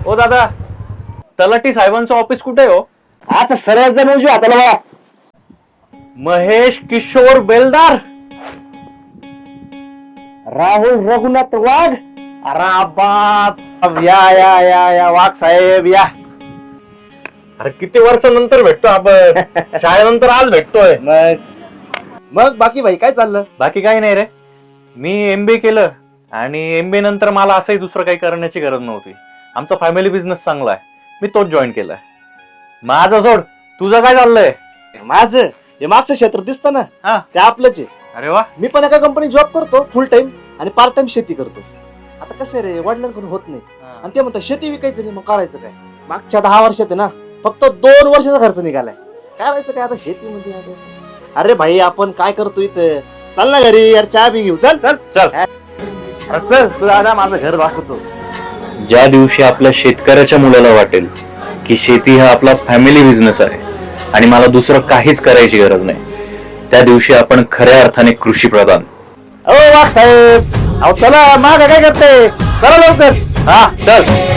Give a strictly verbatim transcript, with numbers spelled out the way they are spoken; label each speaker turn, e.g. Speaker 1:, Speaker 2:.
Speaker 1: हो दादा, तलाठी साहेबांचं ऑफिस कुठे हो?
Speaker 2: आता सरळ जण उजव्या हाताला बघा.
Speaker 1: महेश किशोर बेलदार.
Speaker 2: राहुल रघुनाथ वाघ.
Speaker 1: अरे बाप, या या या या वाघ साहेब या. अरे किती वर्षानंतर भेटतो आपण. शाळेनंतर आज भेटतोय.
Speaker 2: मग मग बाकी भाई काय चाललं?
Speaker 1: बाकी काही नाही रे. मी एमबीए केलं आणि एमबीए नंतर मला असंही दुसरं काही करण्याची गरज नव्हती. आमचा फॅमिली बिझनेस चांगला आहे, मी तोच जॉईन केलाय. माझं सोड, तुझं काय चाललंय?
Speaker 2: माझं हे मागचं क्षेत्र दिसतं ना,
Speaker 1: हा.
Speaker 2: ते आपलंच आहे.
Speaker 1: अरे वा.
Speaker 2: मी पण एका कंपनीत जॉब करतो फुल टाइम आणि पार्ट टाइम शेती करतो. आता कसं आहे रे, वडिलांकडून होत नाही आणि ते म्हणतात शेती विकायचं नाही, मग करायचं काय? मागच्या दहा वर्षात आहे ना फक्त दोन वर्षाचा खर्च निघालाय. करायचं काय आता शेतीमध्ये आता? अरे भाई आपण काय करतो इथं? चल ना घरी यार, चहा बी घेऊ. चल चल
Speaker 1: चल.
Speaker 2: चल तू दादा माझं घर दाखवतो.
Speaker 1: ज्या दिवशी आपल्या शेतकऱ्याच्या मुलाला वाटेल की शेती हा आपला फॅमिली बिझनेस आहे आणि मला दुसरं काहीच करायची गरज नाही, त्या दिवशी आपण खऱ्या अर्थाने कृषी प्रधान.
Speaker 2: अहो वाघ साहेब, अहो चला माग काय करते? चला लवकर.
Speaker 1: हा चल.